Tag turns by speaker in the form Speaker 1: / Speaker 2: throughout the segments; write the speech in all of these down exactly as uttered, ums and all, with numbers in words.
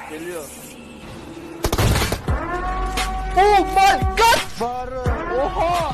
Speaker 1: Geliyor.
Speaker 2: Oh my god!
Speaker 1: Bağırı. Oha!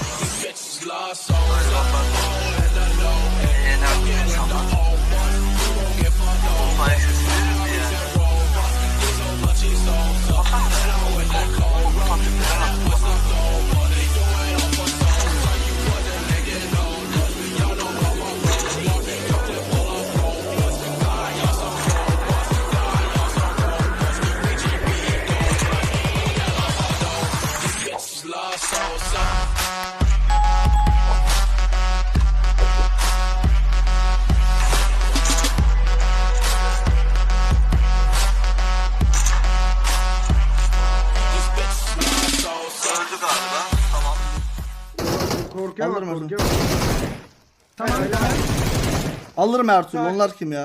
Speaker 3: Öldü galiba. Tamam.
Speaker 4: Korkuyor bak,
Speaker 2: Alırım Ertuğrul.
Speaker 4: korkuyor. Tamam.
Speaker 2: Alırım Ertuğrul. Onlar kim ya?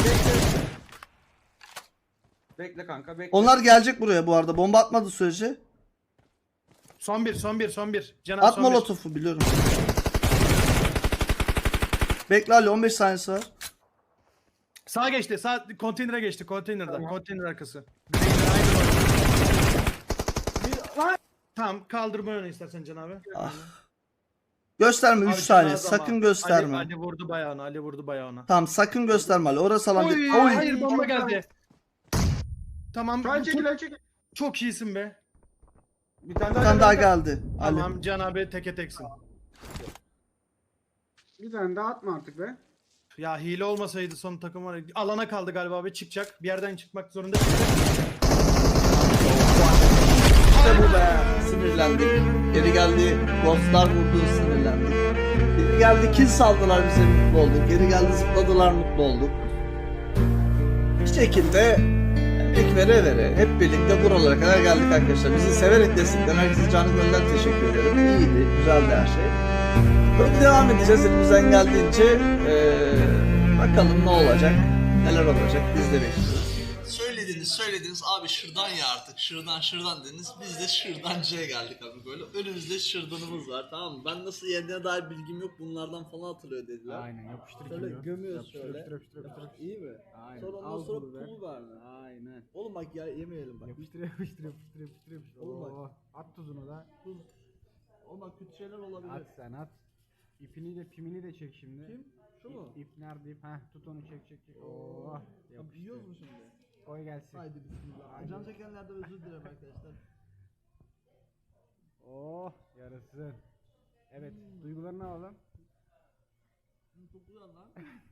Speaker 4: Bekle kanka, bekle.
Speaker 2: Onlar gelecek buraya bu arada. Bomba atmadı sürece.
Speaker 4: Son bir, son bir, son bir. Canan
Speaker 2: At
Speaker 4: son bir.
Speaker 2: molotofu biliyorum. Bekle Ali on beş saniyesi var.
Speaker 4: Sağa geçti, sağ konteynere geçti, konteynerden.
Speaker 1: Tamam.
Speaker 4: Konteyner arkası.
Speaker 1: Bir... Lan!
Speaker 4: Tamam, kaldırma öne istersen Can abi.
Speaker 2: Ah. Gösterme üç
Speaker 4: Abi,
Speaker 2: saniye.
Speaker 4: Can abi
Speaker 2: Sakın
Speaker 4: ama.
Speaker 2: gösterme.
Speaker 4: Ali, Ali vurdu bayağına, Ali vurdu bayağına.
Speaker 2: Tamam sakın gösterme Ali. Orası alan
Speaker 4: Oy,
Speaker 2: değil. Oy.
Speaker 4: hayır bomba geldi. Tamam,
Speaker 1: Lan
Speaker 4: çok,
Speaker 1: çekil lan çekil.
Speaker 4: çok iyisin be.
Speaker 1: Bir tane
Speaker 2: Bir
Speaker 1: daha,
Speaker 2: tane daha
Speaker 1: geldi.
Speaker 2: geldi. Ali.
Speaker 4: Tamam, Can abi teke teksin.
Speaker 5: Bir tane daha atma artık be.
Speaker 4: Ya hile olmasaydı son takım var. Alana kaldı galiba abi, çıkacak. Bir yerden çıkmak zorunda.
Speaker 2: İşte bu be. Sinirlendik. Geri geldi. Ghostlar vurdu sinirlendik. Geri geldi kill saldılar bize mutlu olduk. Geri geldi zıpladılar mutlu olduk. Bir şekilde emek vere vere hep birlikte buralara kadar geldik arkadaşlar. Bizi severek destekleyen herkese canı gönülden teşekkür ederim. İyiydi. Güzeldi her şey. Böyle devam edeceğiz elimizden geldiğince. Ee, bakalım ne olacak. Neler olacak. Biz de bekliyoruz. Söylediniz söylediniz abi şırdan ya artık şırdan şırdan dediniz biz de şırdancıya geldik abi böyle önümüzde şırdanımız var tamam mı ben nasıl yediğine dair bilgim yok bunlardan falan atılıyor dediler.
Speaker 5: Aynen yapıştır
Speaker 2: Şöyle
Speaker 5: gibi.
Speaker 2: gömüyoruz
Speaker 5: Yapıştır,
Speaker 2: şöyle.
Speaker 5: yapıştır, yapıştır, yapıştır.
Speaker 2: İyi mi?
Speaker 5: Aynen.
Speaker 2: Sonra ondan
Speaker 5: Al
Speaker 2: sonra
Speaker 5: pulu ver.
Speaker 2: pul verme.
Speaker 5: Aynen.
Speaker 2: Oğlum bak ya yemeyelim bak.
Speaker 5: Yapıştır yapıştır yapıştır yapıştır yapıştır.
Speaker 2: Oğlum bak.
Speaker 5: Oo, at tuzunu da.
Speaker 2: Tuz. Oğlum bak kötü şeyler olabilir.
Speaker 5: At sen at. İpini de pimini de çek şimdi.
Speaker 2: Kim? Şu mu?
Speaker 5: İp, ip nerede ip? Heh tut onu çek çek çek. Oo.
Speaker 2: Ya
Speaker 5: Yapıştır.
Speaker 2: yiyoruz mu şimdi?
Speaker 5: Koy gelsin.
Speaker 2: Haydi bismillah. Can çekenlerden özür dilerim arkadaşlar.
Speaker 5: Oh yarasın. Evet duygularını alalım.
Speaker 2: Çok güzel lan.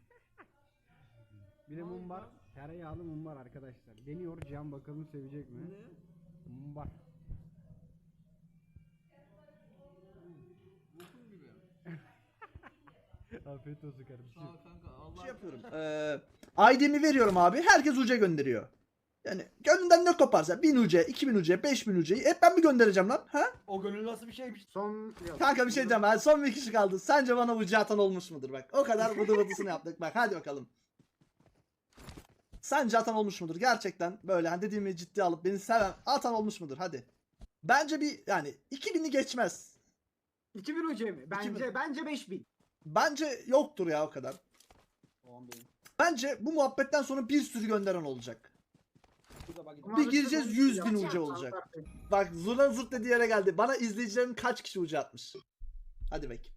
Speaker 5: Bir de mumbar. Tereyağlı mumbar arkadaşlar. Deniyor Can bakalım sevecek mi?
Speaker 2: Ne?
Speaker 5: Mumbar. Afiyet olsun kardeşim.
Speaker 2: Şey yapıyorum. Eee I D'mi veriyorum abi. Herkes uca gönderiyor. Yani gönlünden ne koparsa bin uca, iki bin uca, beş bin uca hep ben mi göndereceğim lan? Ha?
Speaker 1: O gönül nasıl bir şeymiş?
Speaker 5: Son
Speaker 2: Kanka bir şey diyeceğim ben. Son bir kişi kaldı. Sence bana uca atan olmuş mudur bak. O kadar vıdı vıdısını yaptık bak. Hadi bakalım. Sence atan olmuş mudur? Gerçekten böyle hani dediğimi ciddiye alıp beni seven atan olmuş mudur? Hadi. Bence bir yani iki bini geçmez.
Speaker 5: iki bin hoca mı? Bence
Speaker 2: bin.
Speaker 5: bence beş bin.
Speaker 2: Bence yoktur ya o kadar. Bence bu muhabbetten sonra bir sürü gönderen olacak. Bir gireceğiz yüz bin uca olacak. Bak Zurna zırt dediği yere geldi. Bana izleyicilerin kaç kişi uca atmış? Hadi bek.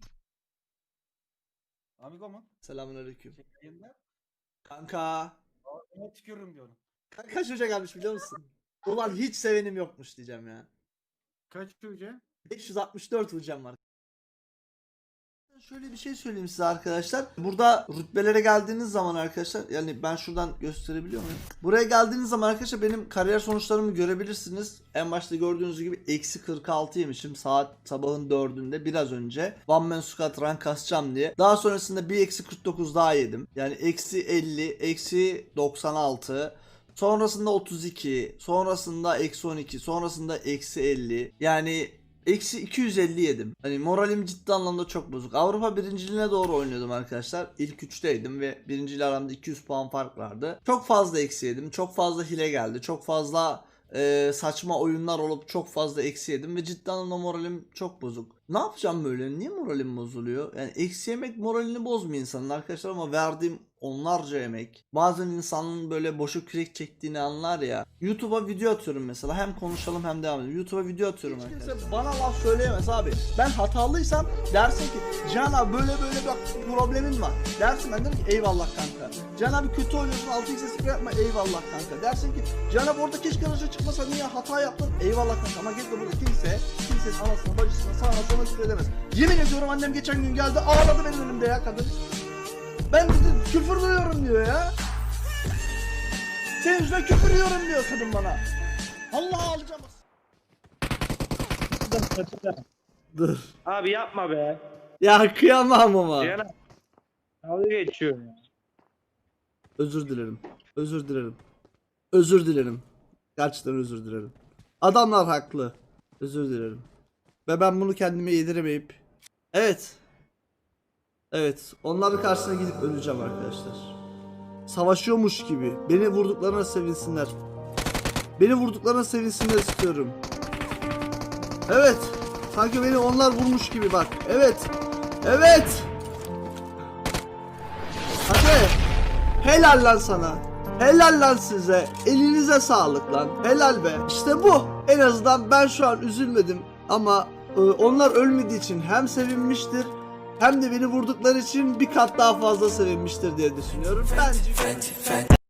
Speaker 1: Amigo mu?
Speaker 2: Selamünaleyküm.
Speaker 1: Yayında.
Speaker 2: Kanka.
Speaker 1: Ona tükürürüm diyorum.
Speaker 2: Kaç uca gelmiş biliyor musun? Ulan hiç sevenim yokmuş diyeceğim ya.
Speaker 5: Kaç hoca?
Speaker 2: beş yüz altmış dört ucam var. Şöyle bir şey söyleyeyim size arkadaşlar. Burada rütbelere geldiğiniz zaman arkadaşlar yani ben şuradan gösterebiliyor muyum? Buraya geldiğiniz zaman arkadaşlar benim kariyer sonuçlarımı görebilirsiniz. En başta gördüğünüz gibi eksi kırk altı yemişim saat sabahın dördünde biraz önce. One man squat rank kasacağım diye. Daha sonrasında bir eksi kırk dokuz daha yedim. Yani eksi elli, eksi doksan altı. Sonrasında otuz iki, sonrasında eksi on iki, sonrasında eksi elli. Yani eksi iki yüz elli yedim. Hani moralim ciddi anlamda çok bozuk. Avrupa birinciliğine doğru oynuyordum arkadaşlar. İlk üçteydim ve birinciyle aramda iki yüz puan fark vardı. Çok fazla eksi yedim. Çok fazla hile geldi. Çok fazla e, saçma oyunlar olup çok fazla eksi yedim ve ciddi anlamda moralim çok bozuk. Ne yapacağım böyle? Niye moralim bozuluyor? Yani eksi yemek moralini bozmuyor insanın arkadaşlar ama verdiğim onlarca emek. Bazen insanın böyle boşa kürek çektiğini anlar ya. YouTube'a video atıyorum mesela. Hem konuşalım hem devam edelim. YouTube'a video atıyorum
Speaker 6: Hiç
Speaker 2: arkadaşlar.
Speaker 6: kimse bana laf söyleyemez abi. Ben hatalıysam dersin ki Cihan abi böyle böyle bir problemin var. Dersin, ben derim ki eyvallah kanka. Cihan abi kötü oynuyorsun, altı x'e sıfır yapma, eyvallah kanka. Dersin ki Cihan abi orada keşke araca çıkmasa, niye hata yaptın, eyvallah kanka. Ama git de burada kimse kimsenin anasına bacısına sağına soluna küfür edemez. Yemin ediyorum annem geçen gün geldi ağladı benim önümde ya kadın. Ben dedi, küfür duyuyorum diyor ya. Senin yüzünden küfür yiyorum diyor kadın bana. Allah alacağım.
Speaker 2: Dur.
Speaker 7: Abi yapma be.
Speaker 2: Ya kıyamam ama.
Speaker 7: Cihan abi. Dalga geçiyor ya.
Speaker 2: Özür dilerim. Özür dilerim. Özür dilerim. Gerçekten özür dilerim. Adamlar haklı. Özür dilerim. Ve ben bunu kendime yediremeyip. Evet. Evet. Onların karşısına gidip öleceğim arkadaşlar. Savaşıyormuş gibi. Beni vurduklarına sevinsinler. Beni vurduklarına sevinsinler istiyorum. Evet. Sanki beni onlar vurmuş gibi bak. Evet. Evet. Hadi. Helal lan sana. Helal lan size. Elinize sağlık lan. Helal be. İşte bu. En azından ben şu an üzülmedim. Ama e, onlar ölmediği için hem sevinmiştir hem de beni vurdukları için bir kat daha fazla sevinmiştir diye düşünüyorum. Bence